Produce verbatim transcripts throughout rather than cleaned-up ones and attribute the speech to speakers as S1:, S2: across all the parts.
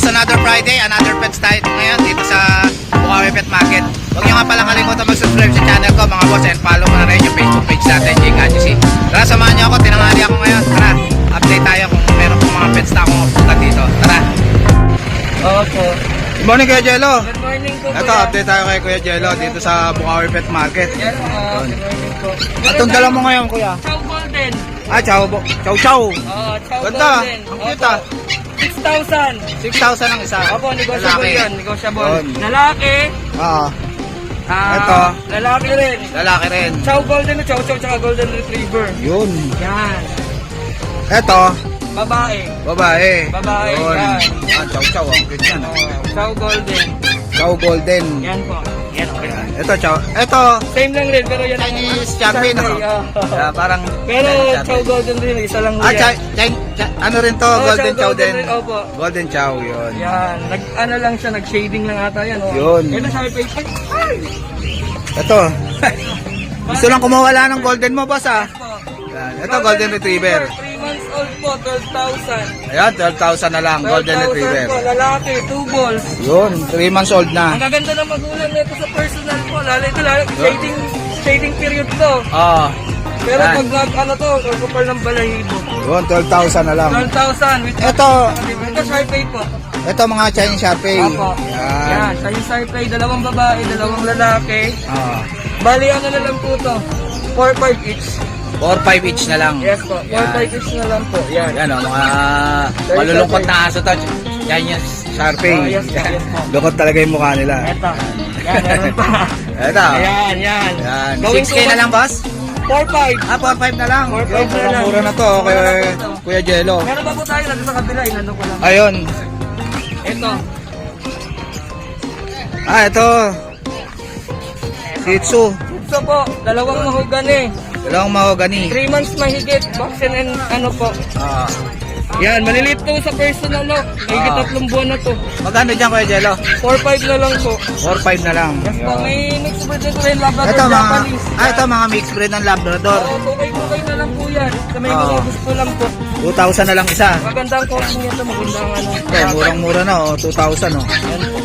S1: another Friday, another pets tayo ngayon dito sa Bukawi Pet Market. Huwag nyo nga pala kalimutan mag-subscribe sa channel ko mga boss, and follow mo na rin yung Facebook page natin, J Gadgetsy. Tara, samahan nyo ako, tinanghali ako ngayon. Tara, update tayo kung meron pong mga pets na akong pupunta dito. Tara.
S2: Okay.
S1: Good morning Kuya Jello.
S2: Good morning po.
S1: Ito, update tayo kay Kuya Jello dito sa Bukawi Pet Market.
S2: Yes, uh, good morning po.
S1: Itong dala mo ngayon, Kuya?
S2: Chow Golden.
S1: Ah, chow, chow, chow.
S2: Oh, Chow
S1: Ganda,
S2: Golden.
S1: ang cute ah.
S2: six thousand.
S1: six thousand ang isa.
S2: Opo, negotiable
S1: Lalaki.
S2: yun. Negotiable.
S1: Yun.
S2: Lalaki.
S1: Oo.
S2: Ah,
S1: Ito.
S2: Lalaki rin.
S1: Lalaki rin.
S2: Chow Golden, Chow Chow, tsaka Golden Retriever.
S1: Yun.
S2: Yan.
S1: Ito,
S2: Babae.
S1: babae.
S2: Babae,
S1: Yun.
S2: yan.
S1: Ah, chow, chow. Ang cute yan.
S2: Oh, Chow Golden.
S1: Chow golden.
S2: Yan po. Yan, okay.
S1: Yan. Ito, chow. Ito,
S2: Same lang rin, pero yan.
S1: Chinese Champion. No?
S2: oh.
S1: Ah, parang
S2: Pero
S1: Chinese
S2: Chow
S1: Champion.
S2: Golden rin, isa lang
S1: Ah,
S2: yan.
S1: chi- chi- chi- ano rin to?
S2: Oh,
S1: golden
S2: Chow
S1: chow
S2: Golden
S1: din.
S2: rin, opo.
S1: Golden chow, yun.
S2: Yan, nag ano lang siya, nag-shading lang ata yan. Oh.
S1: Yun.
S2: Ito sa may Facebook.
S1: Ito. Gusto lang kumawala ng golden mo, boss ah. Yan. Ito, golden retriever.
S2: three months old po, twelve thousand.
S1: Ayan, twelve thousand na lang, golden retriever.
S2: po, lalaki, two balls.
S1: Yun, three months old
S2: Ang
S1: na.
S2: gaganda ng magulang nito sa personal po. Lalo ito, lalo, shading, shading period to.
S1: Oo.
S2: Pero
S1: Yan.
S2: pag nag, ano to, kapal ng balahibo.
S1: Yun, twelve thousand na lang.
S2: twelve thousand. With
S1: Ito,
S2: ito, Sharpay po.
S1: ito mga Chinese Sharpei.
S2: Opo.
S1: Yan.
S2: Yan, Chinese Sharpay, dalawang babae, dalawang lalaki.
S1: Ah.
S2: Bali, ano na lang po to? four five each.
S1: four five each na lang.
S2: Yes po, four
S1: Yan.
S2: five each na lang po. Yan.
S1: Yan o, mga malulungkot na aso to. Yan yung Sharpei.
S2: Oh, yes po, yes po.
S1: Lungkot talaga yung mukha nila.
S2: Eto. Yan, meron pa.
S1: Ito.
S2: Ayan, yan.
S1: Yan.
S2: Going
S1: six K na lang, boss?
S2: four five.
S1: Ah, four five na lang.
S2: four five na lang.
S1: Mura na to, Kuya, Kuya Jello.
S2: Meron pa po tayo nandun sa kabila, inano ko lang.
S1: Ayun.
S2: Ito.
S1: Ah, ito. Shih Tzu.
S2: Ito po, dalawang mahogani.
S1: Dalawang mahogani.
S2: three months mahigit, vaccine and ano po.
S1: Ah.
S2: Yan, maliliit to sa personal, no? Mahigit
S1: Ah.
S2: tatlong buwan na to.
S1: Magkano dyan, Kuya Jello?
S2: four five na lang po.
S1: four five na lang.
S2: Yes po,
S1: Yan.
S2: may mixed breed ito rin, Labrador
S1: Ito mga,
S2: Japanese.
S1: ah, ito mga mixed breed ng Labrador.
S2: Oo, tukay-tukay na lang po yan. Sa may
S1: Ah.
S2: mga gusto lang po.
S1: two thousand na lang isa.
S2: Magandang coaching nito, magandang ano.
S1: Okay, murang-mura na, oh. two thousand, oh.
S2: Yan po.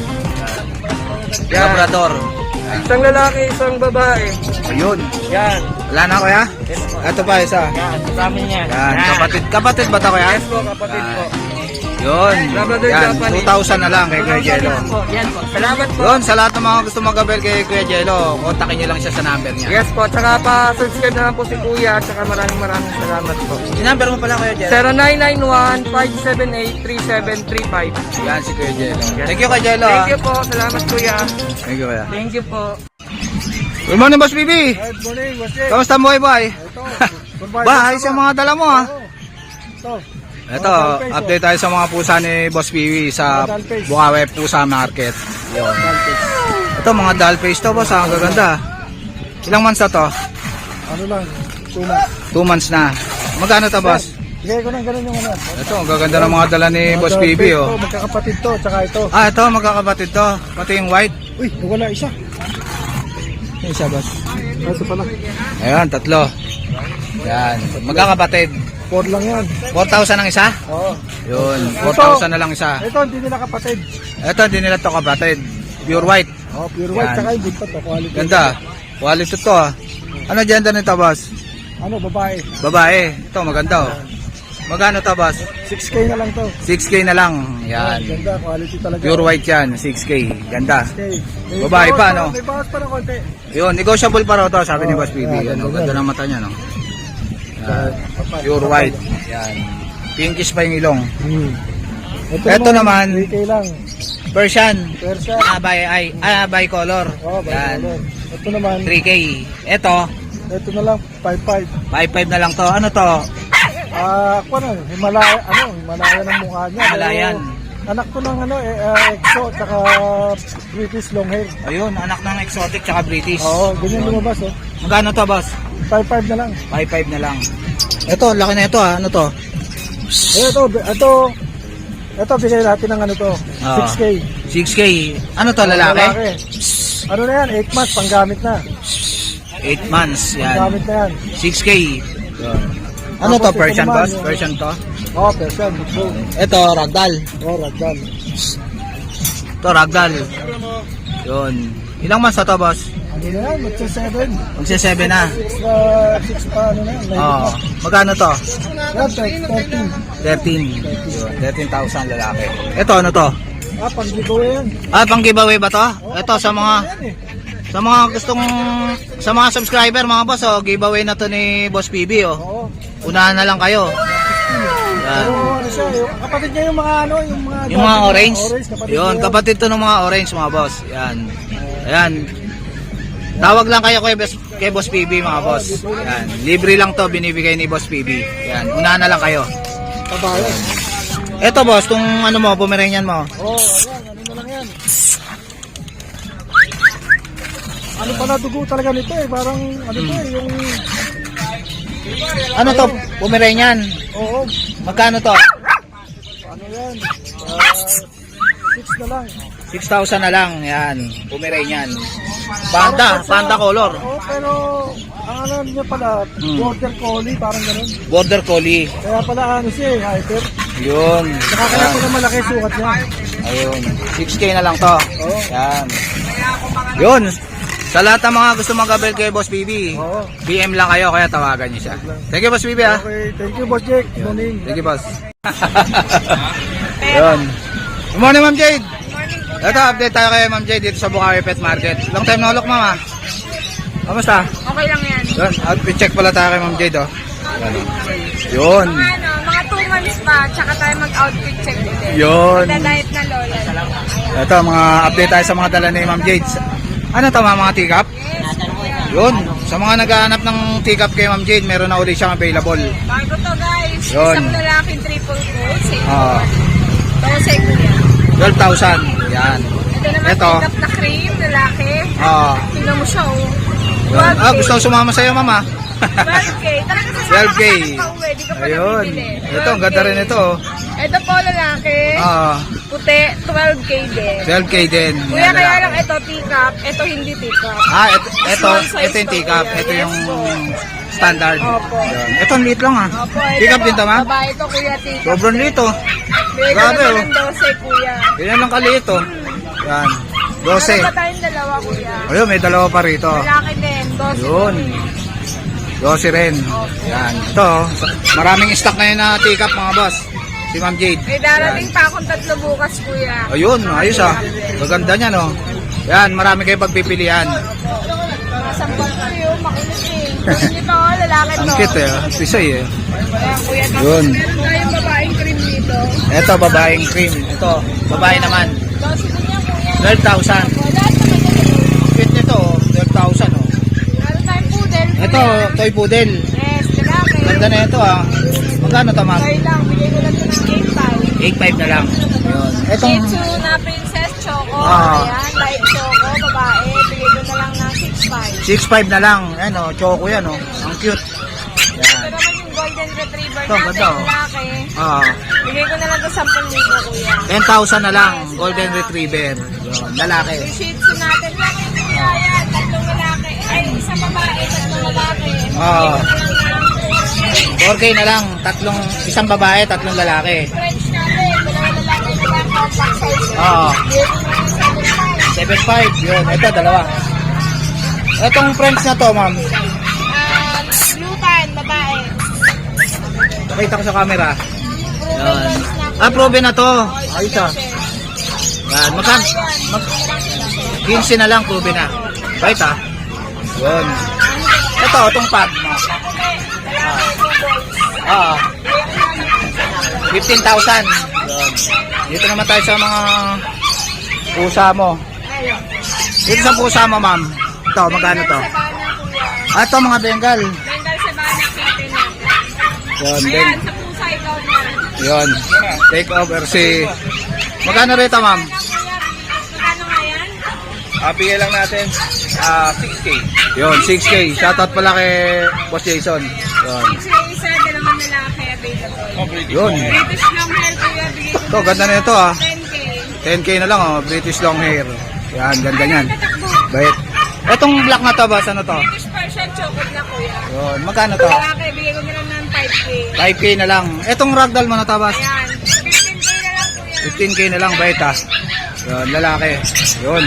S1: Yan. Labrador.
S2: Isang lalaki, isang babae.
S1: Ayun.
S2: Yan.
S1: Wala na, Kuya?
S2: Yes po.
S1: Ito pa, isa.
S2: Yan, kasama niya.
S1: Yan, kapatid. Kapatid ba ito, Kuya?
S2: Yes po, kapatid po.
S1: Yun.
S2: Labrador
S1: Yan,
S2: Japanese.
S1: two thousand na lang kay Kuya Jello.
S2: Yes po, yan po. Salamat po.
S1: Yun, sa lahat ng mga gusto mag-abel kay Kuya Jello, kontakin nyo lang siya sa number niya.
S2: Yes po, tsaka pa-subscribe na lang po si Kuya, tsaka maraming maraming salamat po.
S1: Yung number mo pala, Kuya Jello.
S2: zero nine nine one, five seven eight, three seven three five.
S1: Yan, si Kuya Jello. Thank you, Kuya Jello.
S2: Thank you po, salamat Kuya.
S1: Thank you, Kuya.
S2: Thank you po.
S1: Good morning, Boss B B.
S3: Good morning, Boss Jay.
S1: Kamusta mo, boy?
S3: Ito, goodbye.
S1: Ba, ayos yung mga dala mo, ha?
S3: Ito,
S1: Ito, update tayo sa mga pusa ni Boss B B sa Bukawi Pusa Market. Yun. Ito, mga doll face to, boss, ha? Ang gaganda. Ilang months na to?
S3: ano lang, tuna.
S1: Two months na. Magkano to, boss?
S3: Bigay ko ng ganun yung ano.
S1: Ito, ang gaganda ng mga dala ni
S3: Mga
S1: Boss
S3: doll
S1: B B,
S3: face
S1: oh.
S3: to, magkakapatid to, tsaka ito.
S1: Ah, ito, magkakapatid to. Pati yung white.
S3: Uy, wala isa.
S1: Yung isa, boss.
S3: Ah, Ito pala.
S1: Ayan, tatlo. Yan, magkakapatid.
S3: Four lang yan.
S1: four thousand ang isa?
S3: Oo.
S1: Yun, four thousand na lang isa.
S3: Ito, hindi nila kapatid.
S1: Ito, hindi nila to kapatid. Pure white.
S3: Oh, pure white,
S1: Yan.
S3: tsaka yung buntot to, quality.
S1: Ganda. Quality to, ah. Ano gender nito, boss?
S3: Ano, babae.
S1: Babae. Ito, maganda, oh. Magkano to, boss?
S3: six K na lang to.
S1: six K na lang. Yan.
S3: Ganda, quality talaga.
S1: Pure white yan, six K. Ganda.
S3: Okay. May
S1: Babae
S3: bawas
S1: pa, no?
S3: May bawas pa ng konti.
S1: Yun, negotiable pa raw to, sabi ni
S3: Oh,
S1: Boss B B.
S3: yan,
S1: Ano,
S3: ganda.
S1: ganda ng mata niya, no? Yan.
S3: Kapal,
S1: Pure
S3: kapal.
S1: white. Yan. Pinkish pa yung ilong.
S3: Hmm.
S1: Ito naman,
S3: three K lang.
S1: Persian.
S3: Persian.
S1: Ah, by, ay, ah, by color.
S3: Oh,
S1: Yan.
S3: bayan. Ito naman,
S1: three K. Ito,
S3: ito na lang, five five.
S1: five five na lang to. Ano to?
S3: Ah, ako na, Himalaya, ano, Himalaya ng mukha niya.
S1: Himalayan.
S3: Pero, anak ko ng ano, eh, uh, EXO, tsaka British long hair.
S1: Ayun, anak ng exotic tsaka British.
S3: Oo, ganyan lumabas, oh.
S1: Magkano to, boss?
S3: five five na lang.
S1: five five na lang. Ito, laki na ito, ah. Ano to?
S3: Eh, ito, ito, ito, bigay natin ng ano to,
S1: Ah.
S3: six K.
S1: six K. Ano to, lalaki?
S3: Ano na yan, eight months, panggamit na.
S1: eight months, yan.
S3: Panggamit na yan.
S1: six K. Ano to,
S3: Tapos ito
S1: Persian,
S3: naman,
S1: boss?
S3: yung-
S1: Persian to?
S3: Oh, Persian, Big
S1: Ito, ragdoll.
S3: Oh, ragdoll.
S1: Ito, ragdoll. Yun. Ilang months na to, boss?
S3: Ano na yan? Magsa seven.
S1: Magsi seven na.
S3: Extra six pa, ano na yan.
S1: Oo. Magkano to?
S3: Yan, thirteen.
S1: thirteen. Yun, thirteen thousand lalaki. Ito, ano to?
S3: Ah, pang giveaway yan.
S1: Ah, pang giveaway ba to? Ito, sa mga
S3: Yan eh.
S1: sa mga gustong sa mga subscriber, mga boss, oh, giveaway na to ni Boss P B, oh.
S3: Oo.
S1: Unahan na lang kayo. Yan.
S3: Pero ano siya, yung kapatid niya yung mga ano, yung mga...
S1: Yung mga orange.
S3: kapatid
S1: Yun,
S3: niya.
S1: kapatid to ng mga orange, mga boss. Yan. Ayan. Tawag lang kayo kay Boss, kay Boss P B, mga boss. Yan. Libre lang to, binibigay ni Boss P B. Yan. Unahan na lang kayo.
S3: Kabayan.
S1: Eto, boss, tong ano mo, Pomeranian mo.
S3: Oo, oh, ayan, ano na lang yan. Ano pala dugo talaga nito eh, parang ano to eh, yung...
S1: Ano to, Pomeranian?
S3: Oo,
S1: Magkano to?
S3: ano yan, ah, six na lang.
S1: six thousand na lang. Yan. Pomeranian. Panda, panda color.
S3: Oo, pero ang alam niya pala,
S1: Hmm.
S3: border collie, parang ganun.
S1: Border Collie.
S3: Kaya pala ano siya eh, hyper.
S1: Yun.
S3: Saka kaya
S1: Yan.
S3: pala malaki sukat niya.
S1: Ayun. six K na lang to.
S3: Oo.
S1: Yan. Yun. Sa lahat ng mga gusto mag-abel kay Boss B B,
S3: Oo.
S1: B M lang kayo, kaya tawagan niyo siya. Thank you, Boss B B, ha.
S3: Okay, thank you, Boss Jake. Good morning.
S1: Thank you, Boss. Yun. Good morning, Ma'am Jade. Ito, update tayo kay Ma'am Jade dito sa Bukawi Pet Market. Long time no look, Ma'am, ha. Kamusta?
S4: Okay lang yan.
S1: Yun, outfit check pala tayo kay Ma'am Jade, oh. Yun.
S4: Mga ano, mga two months pa, tsaka tayo mag-outfit check ulit.
S1: Yun.
S4: Magda-diet na lola.
S1: Ito, mga update tayo sa mga dala ni Ma'am Jade. Ano to, mga, mga teacup? Yun. Sa mga naghahanap ng teacup kay Ma'am Jade, meron na ulit siyang available.
S4: Bago to guys,
S1: Yun.
S4: isang lalaking triple coat, same
S1: Oo.
S4: Dose ko yan.
S1: twelve thousand. Yan.
S4: Ito naman
S1: Ito.
S4: pick-up na cream, lalaki.
S1: Oo.
S4: Tingnan mo siya oh.
S1: Ah,
S4: twelve K.
S1: gusto ko sumama sa'yo, Mama.
S4: twelve K. Talaga sasama
S1: twelve K.
S4: ka sa pauwi, di ka pa
S1: Ayun.
S4: nabibili.
S1: Ito, ang ganda rin ito, oh.
S4: Ito po lalaki,
S1: Oo.
S4: puti, twelve K din.
S1: twelve K din.
S4: Kuya,
S1: Yan,
S4: kaya
S1: lalaki.
S4: lang ito teacup, ito hindi teacup.
S1: Ah, ito, ito,
S4: Small size
S1: ito yung
S4: to,
S1: teacup.
S4: kuya.
S1: Ito
S4: Yes
S1: yung
S4: po.
S1: standard.
S4: Opo.
S1: Yun. Ito, ang liit lang, ah.
S4: Opo, ito
S1: Teacup
S4: po,
S1: din to, ma'am?
S4: Babae to, kuya, teacup.
S1: Sobrang liit, oh.
S4: Bigay
S1: Grabe,
S4: ko
S1: oh.
S4: naman ng dose, kuya.
S1: Ganyan lang kaliit, oh. Yan.
S4: Meron
S1: twelve.
S4: pa tayong dalawa, kuya.
S1: Ayun, may dalawa pa rito.
S4: Lalaki din, dose.
S1: Yun. twelve rin. Yan. Ito, oh. Maraming stock ngayon na teacup, mga boss. Si Ma'am Jade.
S4: May darating pa akong tatlo bukas, kuya.
S1: Ayun, ayos, ah. Maganda niya, no. Yan, marami kayo pagpipilian.
S4: Mga sampal ko yun, makinis eh. Hindi pa ako, lalaki to.
S1: Ang cute, eh. ah. Pisoy, eh.
S4: Ayan, kuya. Tapos
S1: Yun.
S4: meron tayong babaeng cream dito.
S1: Ito, babaeng cream. Ito, babae naman.
S4: Dose din yan, kuya.
S1: twelve thousand.
S4: O, lahat naman ito.
S1: Cute nito, oh. twelve thousand, oh.
S4: Meron tayong poodle, kuya.
S1: Ito, toy poodle.
S4: Yes, lalaki.
S1: Ganda na ito, ah. Magkano to, ma'am?
S4: Okay lang, bigay ko lang ito ng eight five.
S1: eight five na lang. Yun. Itong,
S4: Shih Tzu na Princess Choco.
S1: Ah.
S4: Ayan, light Choco, babae. Bigay ko na lang ng six five.
S1: six five na lang. Ayan, oh. Choco yan, oh. Ang cute.
S4: Ito
S1: Yan.
S4: naman yung Golden Retriever
S1: Ito,
S4: natin,
S1: ganda, oh.
S4: lalaki.
S1: Ah,
S4: Bigay ko na lang ito ten libo, kuya.
S1: ten thousand na lang. Golden Retriever. Yun, lalaki.
S4: Yung Shih Tzu natin, laki, kuya. Ayan, tatlong lalaki. Ay, isang babae, tatlong lalaki.
S1: Ah.
S4: Bigay ko na lang ng
S1: four K na lang. Tatlong, isang babae, tatlong lalaki.
S4: French natin, dalawa lalaki na lang, compact size.
S1: Oo.
S4: Bigay ko na lang seven five.
S1: seven five. Yun, ito, dalawa. Itong French na to, ma'am.
S4: Ah, blue tan, babae.
S1: Nakita ko sa camera.
S4: Proven
S1: Yan.
S4: lens na, kuya.
S1: Ah, proven na to.
S4: Oh,
S1: Ayos, ah.
S4: isang
S1: Yan, magkan, mag, fifteen na lang, proven na. Right, ah. Yun. Ito, itong pad. Ah. fifteen thousand. Yun. Dito naman tayo sa mga pusa mo. Dito sa pusa mo, ma'am. Ito, magkano to? Ah, ito, mga Bengal.
S4: Bengal Sabana kitten na.
S1: Yun, ben.
S4: Ayan, sa pusa ikaw na.
S1: Yun. Take over si... Magkano rito, ma'am?
S4: Magkano nga yan?
S1: Ah, bigay lang natin. Ah, six K. Yun, six K. Shoutout pala kay Boss Jason. Yun.
S4: Six na isa, dalawang lalaki available.
S1: Yun.
S4: British long hair kuya, bigay ko
S1: Ito, ganda na ito, ah.
S4: ten K.
S1: ten K na lang, oh. British long hair. Yan, ganda niyan.
S4: Tatakbo.
S1: Bait. Etong black na to, boss, ano to?
S4: British Persian chocolate na kuya.
S1: Yun, magkano to?
S4: Lalaki, bigay ko na lang ng five K. K.
S1: five K na lang. Etong ragdoll mo na tabas.
S4: Ayan. fifteen K na lang po yan.
S1: fifteen K na lang, bait ha. Yun, lalaki. Yun.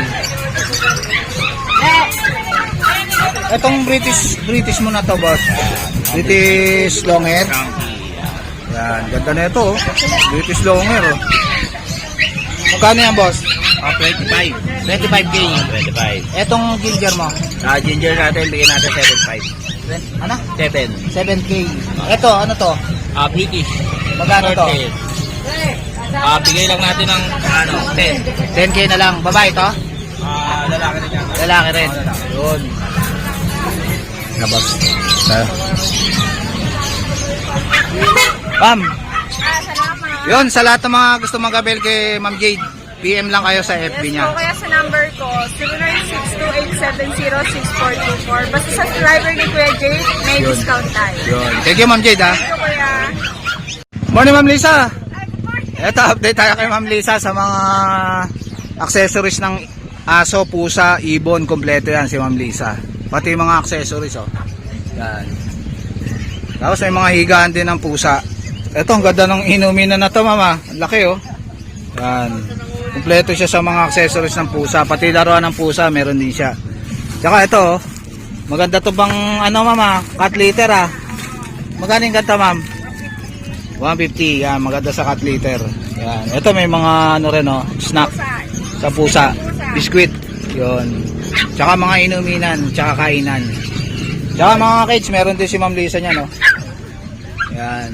S1: Etong British British mo na to, boss. British long hair. Yan, ganda na ito, oh. British long hair, oh. Magkano yan, boss?
S5: Ah, twenty-five.
S1: twenty-five K.
S5: twenty-five.
S1: Etong ginger mo?
S5: Ah, ginger natin, bigyan natin seven five.
S1: Ano?
S5: seven.
S1: seven K. Ito, ano to?
S5: Ah, British.
S1: Magkano to?
S5: Short hair. Ah, bigay lang natin ng ano, ten.
S1: ten K na lang. Babae to?
S5: Ah, lalaki rin yan.
S1: Lalaki rin. Yun. Nabas. Ma'am,
S4: Ah, salamat.
S1: yun, sa lahat ng mga gusto mag-abel kay Ma'am Jade, P M lang kayo sa F B
S4: Yes
S1: niya.
S4: po, kaya sa number ko, zero nine six two eight seven zero six four two four. Basta sa driver ni Kuya Jay, may
S1: Yun.
S4: discount tayo.
S1: Yun. Thank you, Ma'am Jade, ha.
S4: Thank you, Kuya.
S1: Morning, Ma'am Lisa. Ito, update tayo kay Ma'am Lisa sa mga accessories ng aso, pusa, ibon, kompleto yan si Ma'am Lisa. Pati yung mga accessories, oh. Yan. Tapos may mga higaan din ng pusa. Ito, ang ganda ng inumin na na to, mama. Ang laki, oh. Yan. Kompleto siya sa mga accessories ng pusa. Pati laruan ng pusa, meron din siya. Tsaka ito, oh. Maganda to bang, ano, mama? Cat litter, ah. Magkano yung ganda, ma'am? one fifty. Yan, maganda sa cat litter. Yan. Ito, may mga, ano rin, oh, snack sa pusa. Biscuit. Yun. Tsaka mga inuminan, tsaka kainan. Tsaka mga kids, meron din si Ma'am Lisa niya, no? Yan.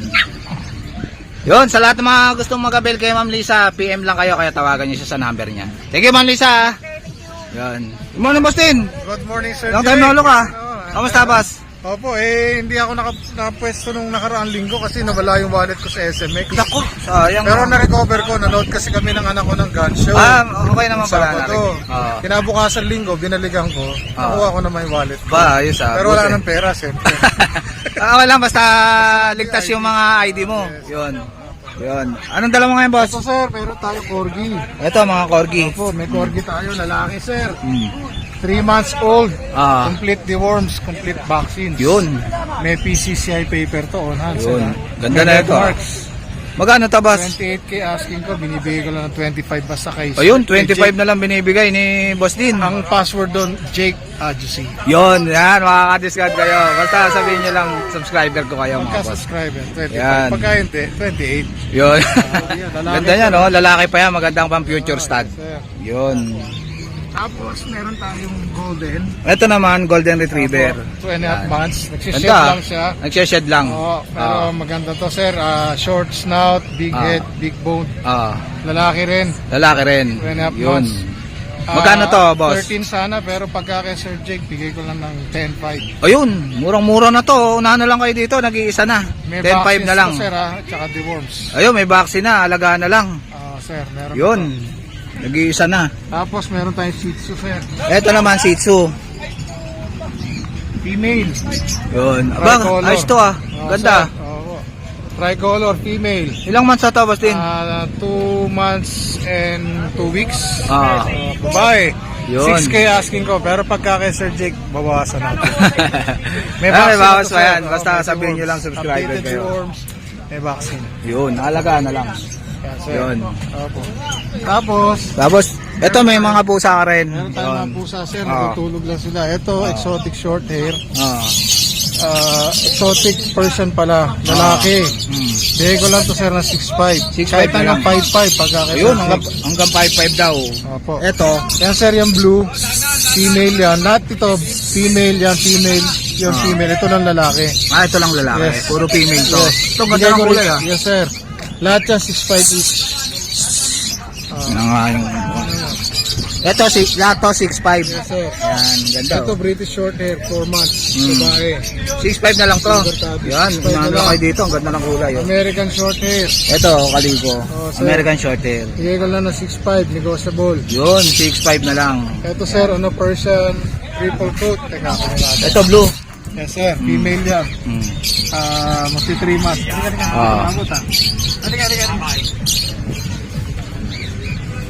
S1: Yun, sa lahat ng mga gustong mag-abel kay Ma'am Lisa, P M lang kayo, kaya tawagan niyo siya sa number niya. Thank you, Ma'am Lisa. Yan. Good morning, Boss Tin.
S3: Good morning, Sir
S1: Long time
S3: Jay.
S1: no look, ah.
S3: Oo,
S1: Kamusta, Boss?
S3: Opo, eh, hindi ako naka, nakapwesto nung nakaraang linggo kasi nawala yung wallet ko sa S M X.
S1: Naku, sayang.
S3: Pero na-recover ko, nanood kasi kami ng anak ko ng gun show.
S1: Ah, okay naman pala.
S3: Sabado.
S1: Ah.
S3: Kinabukasan linggo, binaligan ko.
S1: Ah.
S3: Nakuha ko naman yung wallet ko.
S1: Ba, ayos, ah.
S3: Pero wala
S1: Buti.
S3: nang pera, siyempre.
S1: Ah, wala, basta ligtas yung mga I D mo. Yun. Yun. Anong dala mo ngayon, boss?
S3: So, sir, meron tayo corgi.
S1: Ito, mga corgi.
S3: Opo, may corgi tayo, lalaki, sir.
S1: Hmm.
S3: three months old.
S1: Ah.
S3: Complete deworms, complete vaccines.
S1: Yun.
S3: May P C C I paper to on hand,
S1: Yun.
S3: sir. ah.
S1: Ganda
S3: May
S1: na
S3: red
S1: ito, ah.
S3: marks.
S1: Magkano to, boss?
S3: twenty-eight K asking ko, binibigay ko lang ng twenty-five basta kay
S1: Ayun,
S3: kay
S1: twenty-five
S3: Jake.
S1: na lang binibigay ni Boss Din.
S3: Ang password doon, Jake Adjusi.
S1: Yun, yan, makaka-discount kayo. Basta sabihin nyo lang, subscriber ko kayo, mga boss.
S3: Pagka-subscriber, twenty-five.
S1: Yan.
S3: Pagka hindi, twenty-eight.
S1: Yun.
S3: yan, lalaki
S1: Ganda niya, no? Lalaki pa yan, magandang pang future stud.
S3: Sir.
S1: Yun.
S3: Tapos, meron tayong golden.
S1: Ito naman, Golden Retriever.
S3: Two and a half
S1: Yan.
S3: months. Nagsished
S1: Ganda.
S3: lang siya.
S1: Nagseshed lang.
S3: Oo, pero
S1: Ah.
S3: maganda to, sir. Ah, short snout, big
S1: Ah.
S3: head, big bone.
S1: Ah,
S3: Lalaki rin.
S1: lalaki rin.
S3: Two and a half
S1: Yun.
S3: months. Ah,
S1: Magkano to, boss?
S3: thirteen sana, pero pagka kay Sir Jake, bigay ko lang ng ten five.
S1: Ayun, murang-mura na to. Unahan na lang kayo dito, nag-iisa na.
S3: May
S1: ten five
S3: vaccines
S1: na lang.
S3: to, sir, ah, tsaka deworms.
S1: Ayun, may vaccine na, alagaan na lang.
S3: Ah, sir, meron.
S1: Yun, nag-iisa na.
S3: Tapos, meron tayong Shih Tzu, sir.
S1: Ito naman, Shih Tzu.
S3: Female.
S1: Yun. Abang,
S3: Tricolor.
S1: ayos to, ah.
S3: Oo,
S1: Ganda.
S3: sir. Oo. Tricolor, female.
S1: Ilang months na to, Boss Din?
S3: Ah, two months and two weeks.
S1: Ah.
S3: Ah, babae.
S1: Yun.
S3: six K asking ko, pero pagka kay Sir Jake, babawasan natin.
S1: May
S3: vaccine
S1: bawas
S3: na to,
S1: pa
S3: sir.
S1: yan. Basta
S3: Oo, may
S1: sabihin nyo
S3: deworms.
S1: lang, subscriber
S3: Updated
S1: kayo.
S3: deworms, may vaccine.
S1: Yun, alagaan na lang.
S3: Yan, sir.
S1: Yun.
S3: Opo. Tapos,
S1: Tapos, ito may mga pusa ka rin.
S3: meron tayong mga pusa, sir.
S1: Ah.
S3: Natutulog lang sila. Ito, exotic short hair.
S1: Ah.
S3: Ah, exotic person pala. Lalaki.
S1: Hmm.
S3: Bigay ko lang to, sir, na six five.
S1: six
S3: Kahit
S1: five na
S3: hanggang
S1: lang.
S3: five five pagka kay
S1: Ayun,
S3: Sir
S1: hanggang,
S3: Jake.
S1: hanggang five five daw.
S3: Opo.
S1: Ito,
S3: Yan, sir, yung blue. Female yan. Lahat ito, female yan, female. Yung
S1: Ah.
S3: female. Ito lang lalaki.
S1: ah, ito lang lalaki.
S3: Yes.
S1: Puro female to.
S3: Yes.
S1: Ito, ganda
S3: Bigay
S1: ng
S3: ko
S1: kulay,
S3: rin-
S1: ah.
S3: Yes, sir. Lahat yan, six five each.
S1: Yan nga yung... Ito, si, lahat to, six five.
S3: Yes, sir.
S1: Yan, ganda.
S3: Ito,
S1: oh.
S3: British short hair, four months.
S1: Mm.
S3: Babae.
S1: six five na lang to.
S3: Silver tabby.
S1: Yan,
S3: six five na
S1: umano
S3: lang.
S1: kayo dito. Ang ganda ng kulay. Oh.
S3: American short hair.
S1: Ito, kaligo.
S3: Oh, sir.
S1: American short hair.
S3: Bigay ko lang na six five, negotiable.
S1: Yun, six five na lang.
S3: Ito, sir, ano, Persian, triple coat. Teka, ako natin.
S1: Ito, blue.
S3: Yes, sir. Female yan.
S1: Hmm.
S3: Ah, magti three months. Halika, halika.
S1: Ah.
S3: Abot, ah. Halika, halika, halika.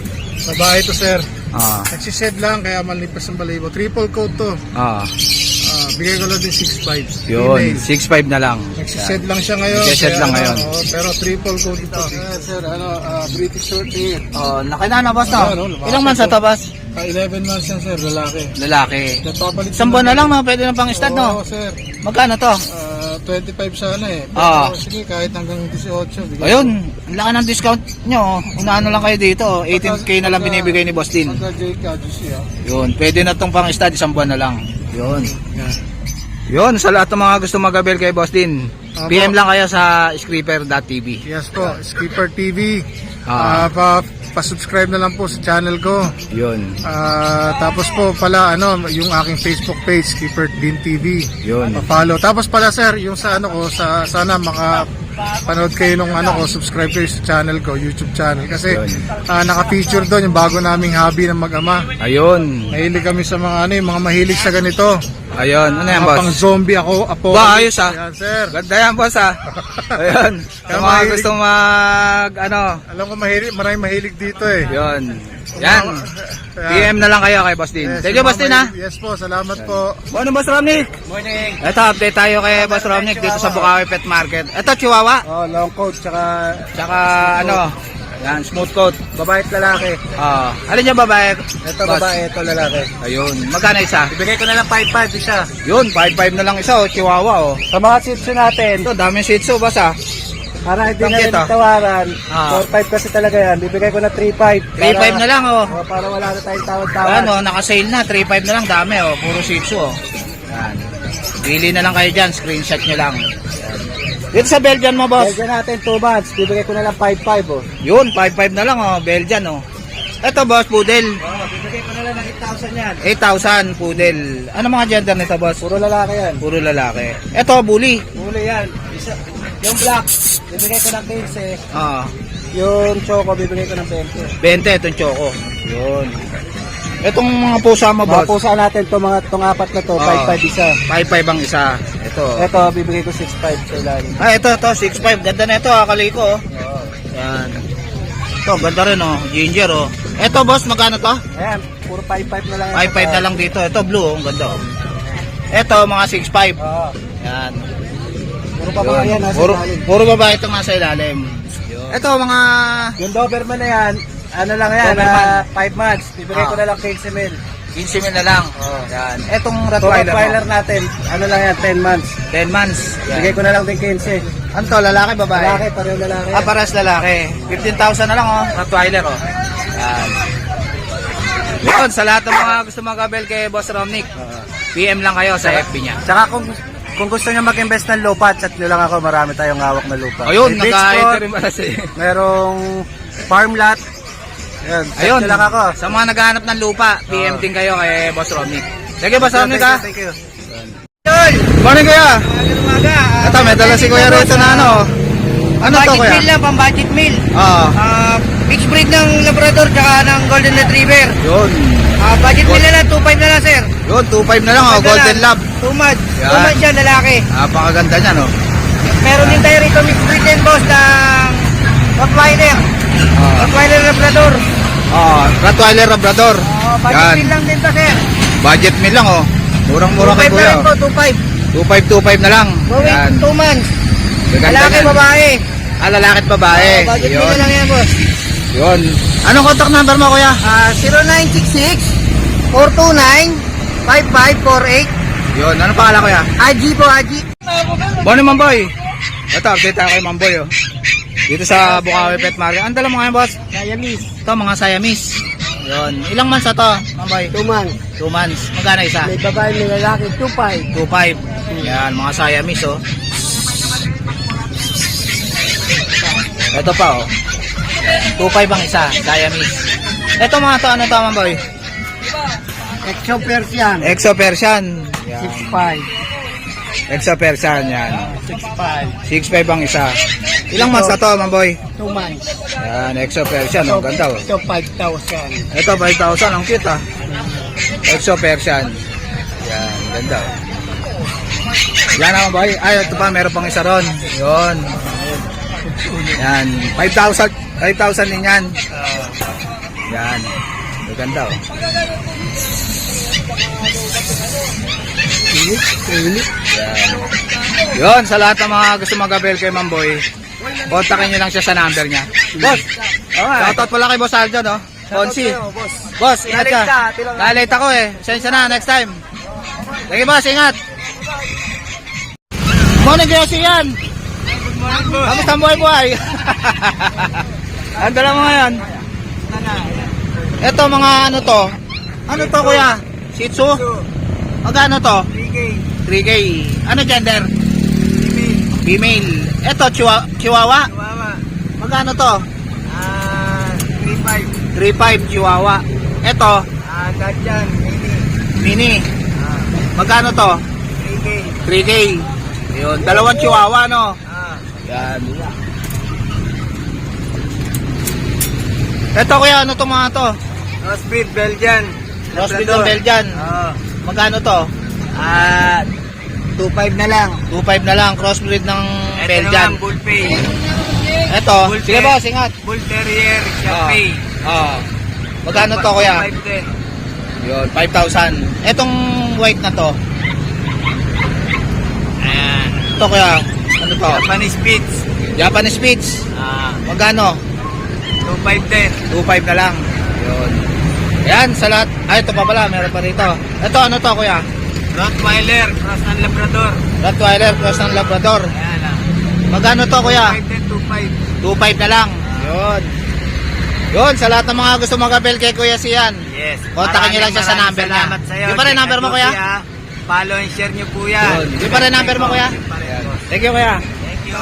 S3: Babae to, sir.
S1: Ah,
S3: Nagsished lang, kaya malipas ang balibo. Triple coat to.
S1: ah.
S3: Ah, bigay ko lang din six five.
S1: Yun, six five na lang.
S3: Nagsisend lang siya ngayon.
S1: Nagsisend
S3: kaya
S1: lang
S3: ano,
S1: ngayon.
S3: oo, pero triple coat ito. Ayan, sir, ano, ah, British short hair.
S1: Oh, laki na na, boss, no?
S3: Ayan, oh, lumaki
S1: Ilang months na to, boss?
S3: Ah, eleven months yan, sir, lalaki.
S1: Lalaki.
S3: Nagpapalit
S1: Isang buwan na lang, no? Pwede na pang stud, no?
S3: Oo, sir.
S1: Magkano to?
S3: Ah, twenty-five sana eh. Pero
S1: Ah.
S3: sige, kahit hanggang eighteen. Bigay
S1: Ayun, ang laki ng discount nyo. Unaano lang kayo dito. eighteen K na lang binibigay ni Boss Din.
S3: Pagka J K, G C, ah.
S1: Yun, pwede na tong pang stud, isang buwan na lang. Yun. Yun, sa lahat ng mga gusto mag-avail kay Boss Din,
S3: Apo.
S1: P M lang kayo sa skipper dot t v.
S3: Yes po, Skipper T V.
S1: Ah.
S3: Ah, pa, pa-subscribe na lang po sa channel ko.
S1: Yun.
S3: Ah, tapos po pala ano, yung aking Facebook page, Skipper Din T V.
S1: Yun.
S3: Pa-follow. Tapos pala sir, yung sa ano ko, sa sana maka panood kayo nung ano ko, subscribe kayo sa channel ko, YouTube channel kasi
S1: Yun.
S3: ah, naka-feature doon yung bago naming hobby ng mag-ama.
S1: Ayun.
S3: Mahilig kami sa mga ano, yung mga mahilig sa ganito.
S1: Ayun. Ano yan,
S3: Mga pang
S1: boss?
S3: zombie ako, apo.
S1: Ba, ayos, ah.
S3: Yan, sir.
S1: Ganda yan, boss, ah. Ayun. Sa
S3: Kaya
S1: mga
S3: mahilig-
S1: gusto mag, ano,
S3: Alam ko mahilig, maraming mahilig dito eh.
S1: yun. Yan. P M na lang kayo kay Boss Din.
S3: Yes,
S1: Thank you,
S3: yung
S1: Boss
S3: mga
S1: Din, ha?
S3: mahilig- Yes po, salamat po.
S1: Ano, Boss Romnick?
S2: Morning.
S1: Ito, update tayo kay Boss Romnick dito sa Bukawi Pet Market. Ito, Chihuahua.
S3: Oh, long coat tsaka
S1: Tsaka, ano, yan, smooth coat.
S3: babae at lalaki.
S1: Ah, alin yung babae?
S3: Ito
S1: Boss?
S3: babae, ito lalaki.
S1: Ayun. Magkano isa?
S3: Ibigay ko na lang five five isa.
S1: Yun, five five na lang isa, oh, Chihuahua, oh.
S3: Sa mga chips natin,
S1: Ito, daming shih tzu, boss, ah.
S3: para hindi
S1: na rin
S3: tawaran,
S1: Ah.
S3: four five kasi talaga yan. Bibigay ko na three five.
S1: three five na lang, oh.
S3: Oh, para wala na tayong tawad-tawad.
S1: Ano, naka-sale na, three five na lang, dami, oh. Puro shih tzu, oh. Yan. Pili na lang kayo dyan, screenshot nyo lang. Yan. Dito sa Belgian mo, boss.
S3: Belgian natin two months. Bibigay ko na lang five five oh.
S1: Yun, five five na lang, oh. Belgian, oh. Ito, boss, poodle.
S3: Oh, bibigay ko na lang ng eight thousand yan.
S1: eight thousand, poodle. Ano mga gender nito, boss?
S3: Puro lalaki yan.
S1: Puro lalaki. Ito, bully.
S3: Huli yan. Isa, yung black, bibigay ko ng fifteen.
S1: Ah,
S3: Yung choco, bibigay ko ng twenty.
S1: twenty, itong choco. Yun. Itong mga pusa mo,
S3: Mga
S1: boss.
S3: pusa natin, to, mga, tong apat na to,
S1: Ah.
S3: five five isa.
S1: five five ang isa. Ito.
S3: Ito, bibigay ko six five sa ilalim.
S1: Ah, ito, ito, six five. Ganda na ito, ah, kaliko, oh. Yan. Ito, ganda rin, oh. Ginger, oh. Ito, boss, magkano to?
S3: Ayan, puro five five na lang. yan.
S1: five five na lang dito. Ito, blue, oh. Ang ganda, oh. Ito, mga six five.
S3: Oo.
S1: Yan.
S3: Puro pa mga yan, nasa
S1: Puro,
S3: ilalim.
S1: puro babae itong nasa ilalim. Ito, mga...
S3: Yung Doberman na yan, ano lang yan,
S1: Doberman.
S3: five months. Bibigay
S1: Ah.
S3: ko na lang fifteen mil.
S1: fifteen mil na lang.
S3: Oh.
S1: Yan. Etong
S3: Rottweiler,
S1: Rottweiler, mo.
S3: natin, ano lang yan, ten months.
S1: ten months. Yan.
S3: Bigay ko na lang din fifteen.
S1: Ano to, lalaki, babae?
S3: Lalaki, pareho lalaki.
S1: Ah, paras lalaki. fifteen thousand na lang, oh. Rottweiler, oh. Yan. Yun, sa lahat ng mga gusto mag-abel kay Boss Romnick, P M lang kayo sa F B niya.
S3: Tsaka kung kung gusto niyo mag-invest ng lupa, chat nyo lang ako, marami tayong hawak na lupa.
S1: Ayun,
S3: May beach
S1: nag-ito
S3: plot,
S1: rin pala si...
S3: merong farm lot. Ayun, chat
S1: Ayun,
S3: nyo lang ako.
S1: sa mga naghahanap ng lupa, P M din kayo kay Boss Romnick. Sige, Boss Romnick, ha?
S3: Thank you.
S1: Morning, kuya.
S2: Umaga.
S1: Ito, may dala si Kuya rito na ano. Ano to,
S2: budget
S1: kuya?
S2: meal lang, pang budget meal.
S1: Oo.
S2: Ah, mixed breed ng Labrador tsaka ng Golden Retriever.
S1: Yun.
S2: Ah, budget meal na lang, two five na lang, sir.
S1: Yun, two five na lang, oh. Golden Lab.
S2: two months.
S1: Yan.
S2: two months yan, lalaki.
S1: Napakaganda niya, no?
S2: Meron din tayo rito mixed breed din, boss, ng Rottweiler.
S1: Ah.
S2: Rottweiler Labrador.
S1: Oh, Rottweiler Labrador.
S2: Oh, budget
S1: Yan.
S2: meal lang din to, sir.
S1: Budget meal lang, oh. Murang-mura
S2: two
S1: kay
S2: five na
S1: kuya.
S2: rin po, two five.
S1: two five, two five na lang.
S2: Going
S1: Yan.
S2: two months.
S1: Gaganda
S2: Lalaki,
S1: niyan.
S2: babae.
S1: Ah, lalaki at babae.
S2: Oh, budget meal
S1: Yun.
S2: na lang yan, boss.
S1: Yun. Anong contact number mo, kuya?
S2: Ah, zero nine six six, four two nine, five five four eight.
S1: Yun. Anong pangalan, kuya?
S2: Aji po, Aji.
S1: Morning, Mamboy. Ito, update tayo kay Mamboy, oh. Dito sa Bukawi Pet Market. Ang dala mo ngayon, boss?
S2: Siamese.
S1: Ito, mga Siamese. Yun. Ilang months na to, Mamboy?
S2: Two months.
S1: Two months. Magkano isa?
S2: May babae, may lalaki, two five.
S1: two five. Yan, mga Siamese, oh. Ito pa, oh. two five ang isa, Siamese. Ito mga to, ano to, Mamboy?
S2: Exo Persian.
S1: Exo Persian. Yan.
S2: six five.
S1: Exo Persian, yan.
S2: six five.
S1: six five ang isa. Ilang months na to, Mamboy?
S2: two months.
S1: Yan, Exo Persian, oh. Ganda, oh.
S2: Ito, five thousand.
S1: Ito, five thousand. Ang cute, ah. Exo Persian. Yan, ganda, oh. Yan naman, boy. Ay, ito pa, meron pang isa ron. Yun. Yan, five thousand. five thousand din yan. Yan. Maganda oh. Yan. Yun, sa lahat ng mga gusto mag-avail kay Mamboy, kontakin nyo lang siya sa number niya. Boss, shoutout pala kay Boss Aldo, no? Ponsi. Boss, ingat ka. Na-late ako eh. Sensya na, next time. Sige boss, ingat. Morning kayo siyan. Kamusta ang buhay buhay? Ang dala mo ngayon? Ito mga ano to? Ano to kuya? Shih Tzu? Magkano to? three K. Ano gender? Female. Ito chihuahua? Chihuahua. Magkano to?
S2: Ah, three five.
S1: three five chihuahua. Ito?
S2: Ah, Gadyan, mini.
S1: Mini. Magkano to?
S2: three K.
S1: three K. Yun, dalawang chihuahua no?
S2: Ah,
S1: Yan. Ito kuya, ano to mga to?
S2: Crossbreed, Belgian.
S1: Crossbreed ng Belgian.
S2: Oo.
S1: Magkano to?
S2: Ah, two five na lang.
S1: two five na lang, crossbreed ng
S2: Ito
S1: Belgian.
S2: naman, Bull Pay.
S1: Ito,
S2: Bull
S1: sige
S2: Ter-
S1: boss, ingat.
S2: Bull Terrier, Shapey.
S1: Ah. Magkano to kuya?
S2: five din.
S1: Yun, five thousand. Etong white na to.
S2: Ayan.
S1: Ito kuya, ano to?
S2: Japanese Spitz.
S1: Japanese Spitz.
S2: Ah,
S1: Magkano?
S2: two five din.
S1: two five na lang. Yun. Yan, sa lahat. Ay, ito pa pala, meron pa rito. Ito, ano to kuya?
S2: Rottweiler, cross ng Labrador.
S1: Rottweiler cross ng Labrador.
S2: Ayan ah.
S1: Magkano to kuya?
S2: two five din, two five.
S1: two five na lang. Yun. Yun, sa lahat ng mga gusto mag-abel kay Kuya Sian.
S2: Yes.
S1: Kontakin niyo lang siya sa
S2: Maraming
S1: number niya.
S2: salamat sa'yo.
S1: Di pa rin number mo, kuya?
S2: Follow and share niyo po yan.
S1: Yun. Di pa rin number mo, kuya? Thank you, kuya.
S2: Thank you.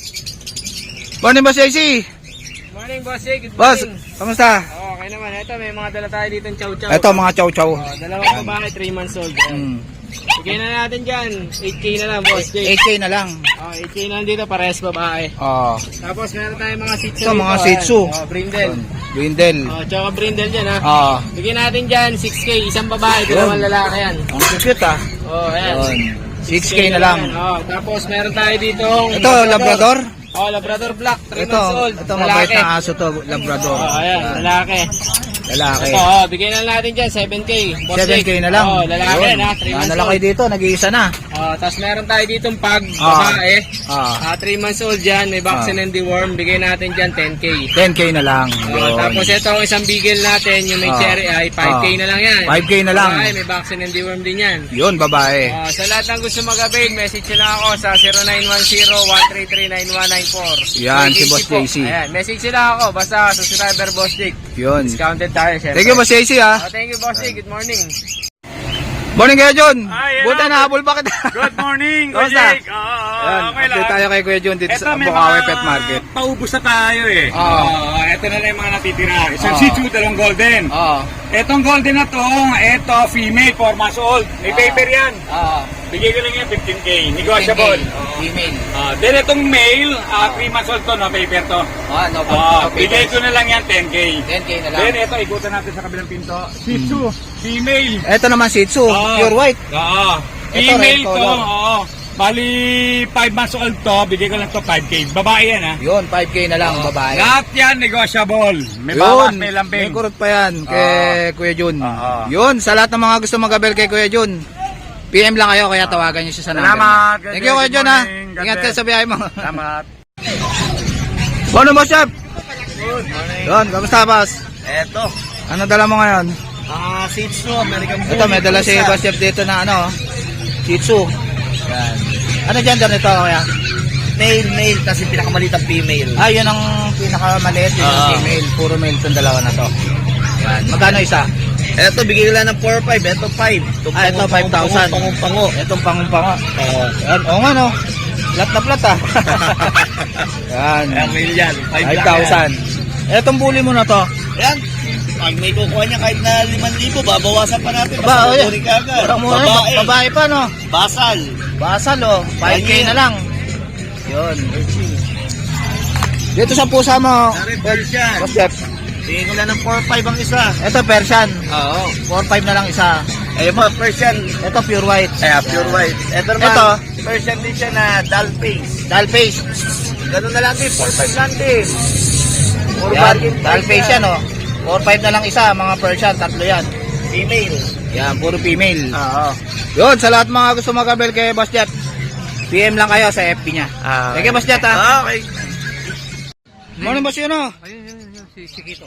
S1: Morning, Boss J C.
S2: Morning, boss. Good
S1: Boss, kamusta?
S2: Oh, okay naman. Ito, may mga dala tayo dito ng chow-chow.
S1: Ito, mga chow-chow.
S2: Oh, dalawang babae, three months old.
S1: Hmm.
S2: Bigyan na natin dyan. eight K na lang, boss. Jake.
S1: eight K na lang.
S2: Oh, eight K na lang dito, parehas babae.
S1: Oh.
S2: Tapos meron tayong mga Shih Tzu.
S1: Ito, mga
S2: dito,
S1: Shih Tzu.
S2: ayan. Oh, brindle.
S1: Brindle.
S2: Oh, tsaka brindle dyan, ha.
S1: Oh.
S2: Bigyan natin dyan, six K. Isang babae,
S1: Yun.
S2: dalawang lalaki yan.
S1: Ang cute ah.
S2: Oh, ayan.
S1: Yun. six K na lang.
S2: Oh, tapos meron tayo dito.
S1: Ito, Labrador.
S2: Oh, Labrador Black, three
S1: Ito,
S2: months old.
S1: ito mabait na aso to, Labrador.
S2: Oh, ayan, lalaki.
S1: Lalaki.
S2: Ito, oh, bigyan na natin dyan, seven K. Boss
S1: seven K
S2: Jake.
S1: na lang.
S2: Oh, lalaki
S1: Yun.
S2: na, three months
S1: Ano lang
S2: old.
S1: kayo dito, nag-iisa na.
S2: Oh, tapos meron tayo ditong pag,
S1: Ah.
S2: babae.
S1: Ah.
S2: Ah, three months old dyan, may vaccine
S1: Ah.
S2: and deworm. Bigay natin dyan, ten K.
S1: ten K na lang.
S2: Oh,
S1: Yun.
S2: tapos ito ang isang bigel natin, yung may
S1: Ah.
S2: cherry eye, five K
S1: Ah.
S2: na lang yan.
S1: five K na lang.
S2: Babae, may vaccine and deworm din yan.
S1: Yun, babae.
S2: Ah, sa lahat ng gusto mag-avail, message nyo lang ako sa zero nine one zero, one three three, nine one nine four.
S1: Yan, si Boss
S2: po.
S1: J C.
S2: Ayan, message nyo lang ako, basta subscriber Boss Jake.
S1: Yun.
S2: Discounted tayo, syempre.
S1: Thank you, Boss J C ah.
S2: Oh, thank you, Boss Jake. Good morning.
S1: Morning kayo, John.
S6: Ay, yan
S1: Buta
S6: na.
S1: na, habol pa kita.
S6: Good morning, Kuya
S1: Kamusta?
S6: Jake. Oo, oo,
S1: Yan,
S6: okay lang.
S1: update tayo kay Kuya John dito
S6: Ito,
S1: sa
S6: may
S1: Bukawi
S6: mga
S1: Pet Market.
S6: paubos na tayo eh.
S1: Oo.
S6: Oo, ito na lang yung mga natitira. Isang
S1: Oo.
S6: Shih Tzu, dalawang golden.
S1: Oo.
S6: Etong golden na to, ito female, four months old. May
S1: Oo.
S6: paper yan.
S1: Oo.
S6: Bigay ko lang yan, fifteen K. Negotiable.
S1: Female.
S6: Ah, then itong male, ah, three months old to, no paper to.
S1: Ah, no,
S6: Ah,
S1: no
S6: bigay
S1: papers.
S6: ko na lang yan, ten K.
S1: ten K na lang.
S6: Then ito, ikutan natin sa kabilang pinto. Shih Tzu, female.
S1: Ito naman Shih Tzu,
S6: Oo.
S1: pure white.
S6: Oo.
S1: Ito,
S6: Female
S1: red
S6: to,
S1: color.
S6: oo. Bali, five months old to, bigay ko lang to five K. Babae yan, ha?
S1: Yun, five K na lang, babae.
S6: Lahat yan, negotiable. May
S1: Yun,
S6: bawas, may
S1: may
S6: lambing.
S1: kurot pa yan kay Kuya Jun.
S6: Oo.
S1: Yun, sa lahat ng mga gusto mag-abel kay Kuya Jun, P M lang kayo, kaya tawagan niyo siya sa number.
S6: Salamat.
S1: niya. Thank you, Kuya
S6: Good
S1: Jun, ha.
S6: morning. God
S1: Ingat kayo
S6: bless.
S1: sa biyahe mo.
S6: Salamat.
S1: Ano mo, Chef? Yun, kamusta, boss?
S2: Eto,
S1: Ano dala mo ngayon?
S2: ah, Shih Tzu, American Bully.
S1: Ito, may dala si Boss Chef dito na ano, Shih Tzu. Yan. Ano gender nito, kuya?
S2: Male, male, kasi pinakamaliit ang female.
S1: Ah, yun ang pinakamaliit, yun ang
S2: Ah.
S1: female. Puro male itong dalawa na to. Yan. Magkano isa?
S2: Eto, bigay ko lang ng four five, eto five.
S1: Ah, ito, five thousand.
S2: Pangung-pango.
S1: Itong pangung-pango. Oo. Yan, oo nga no. Plat na plat ah. Yan.
S2: Ang male yan,
S1: five thousand. Etong bully mo na to.
S2: Yan. Pag may kukuha niya kahit na limang libo, babawasan pa natin.
S1: Ba, oh,
S2: Basta
S1: yan.
S2: kukunin ka agad.
S1: Parang mura,
S2: Babae.
S1: babae pa no.
S2: Basal.
S1: Basal oh. five K
S2: Yan.
S1: na lang. Yun. Dito sa pusa mo.
S2: Dari Persian.
S1: Boss Chef.
S2: Bigay ko lang ng four five ang isa.
S1: Ito Persian.
S2: Oo.
S1: four five na lang isa.
S2: Eh, mga Persian.
S1: Ito pure white.
S2: Eh, pure white. Ito naman.
S1: Ito.
S2: Persian din siya na dull face.
S1: Doll face.
S2: Ganun na lang din, four five lang din. Puro
S1: Yan.
S2: bargain
S1: Doll
S2: price
S1: face yan oh. four five na lang isa, mga Persian, tatlo yan.
S2: Female.
S1: Yan, puro female.
S2: Oo.
S1: Yun, sa lahat mga gusto mag-avail kay Boss Jet, P M lang kayo sa F B niya.
S2: Ah.
S1: Thank you, Boss Jet, ha?
S2: Okay.
S1: Morning, Boss Yuno.
S2: Ayun, yun, yun, si Chiquito.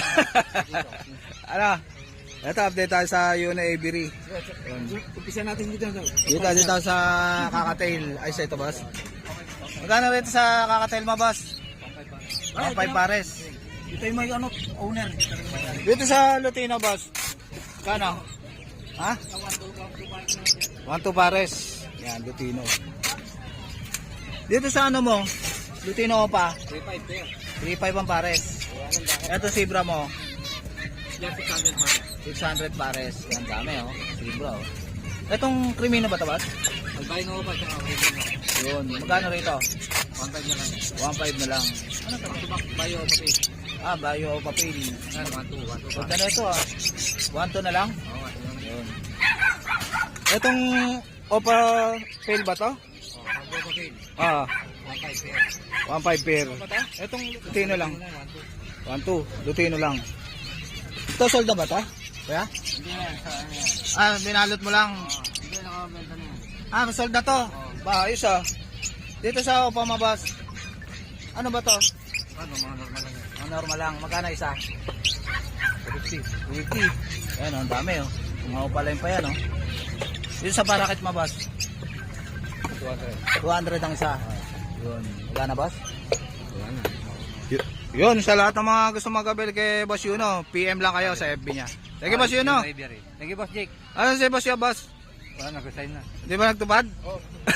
S1: Ano? Ito, update tayo sa Yuno Avery.
S2: Umpisa natin dito.
S1: Dito, dito sa Kakatail. Ay, sa ito, Boss. Magkano rito sa Kakatail mo, Boss? one five pares.
S2: Ito yung may ano, owner.
S1: Dito sa Lutino, Boss. Kano? Ha? one two pares. Yan, Lutino. Dito sa ano mo? Lutino pa?
S2: three five pair.
S1: three five ang pares. Ito Zebra mo?
S2: Yan, six hundred pair.
S1: six hundred pares. Yan, dami, oh. Zebra, oh. Itong Crimino ba ito, Boss?
S2: Albino pa siya.
S1: Yun. Magkano rito?
S2: one five na lang.
S1: one five na lang.
S2: Ano ito? Bayo, pati.
S1: Ah, Bayo o Papel.
S2: Yan, one two, one two.
S1: Pagka na ito, ah. one two na lang?
S2: Oo, one two na lang.
S1: Yun. Itong Opa Pail ba to?
S2: Oh, bago pa pail.
S1: Ah,
S2: one five pair.
S1: one five pair. Itong Lutino lang.
S2: one two.
S1: one two, Lutino lang. Ito sold na ba to? Kaya?
S2: Hindi na, sa ano yan.
S1: Ah, binalot mo lang.
S2: Hindi, nakabenta na yan.
S1: Ah, sold na to. Ba, ayos ah. Dito sa Opa Mabas. Ano ba to?
S2: Ano, mga normal lang yan.
S1: Ang normal lang. Magkano isa?
S2: two fifty.
S1: two fifty. Ayan, ang dami oh. Mga upalain pa yan oh. Dito sa Parakit Mabas.
S2: two hundred.
S1: two hundred ang isa. Yun. Magkano, boss?
S2: Wala na.
S1: Yun, sa lahat ng mga gusto mag-avail kay Boss Yuno, P M lang kayo sa F B niya. Thank you, Boss Yuno.
S2: Thank you, Boss Jake.
S1: Ano si Boss Yuno, boss?
S2: Wala, nag-resign na.
S1: Di ba nagtupad? Oo.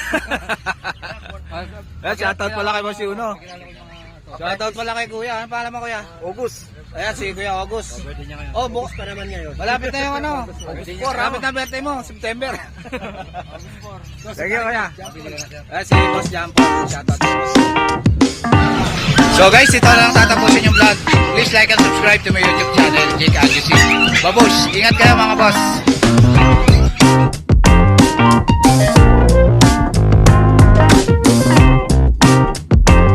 S1: Eh, shoutout pala kay Boss Yuno. Shoutout pala kay Kuya. Ano pala mo, Kuya?
S2: August.
S1: Ayan, si Kuya August.
S2: Birthday niya ngayon.
S1: Oh, bukas
S2: pa naman ngayon.
S1: malapit na yung ano. Malapit na birthday mo, September. Thank you, Kuya. Eh, si Boss Jampo. Shoutout kay Boss. So guys, ito na lang tatapusin yung vlog. Please like and subscribe to my YouTube channel, Jake Agusi. Babush, ingat kayo mga boss.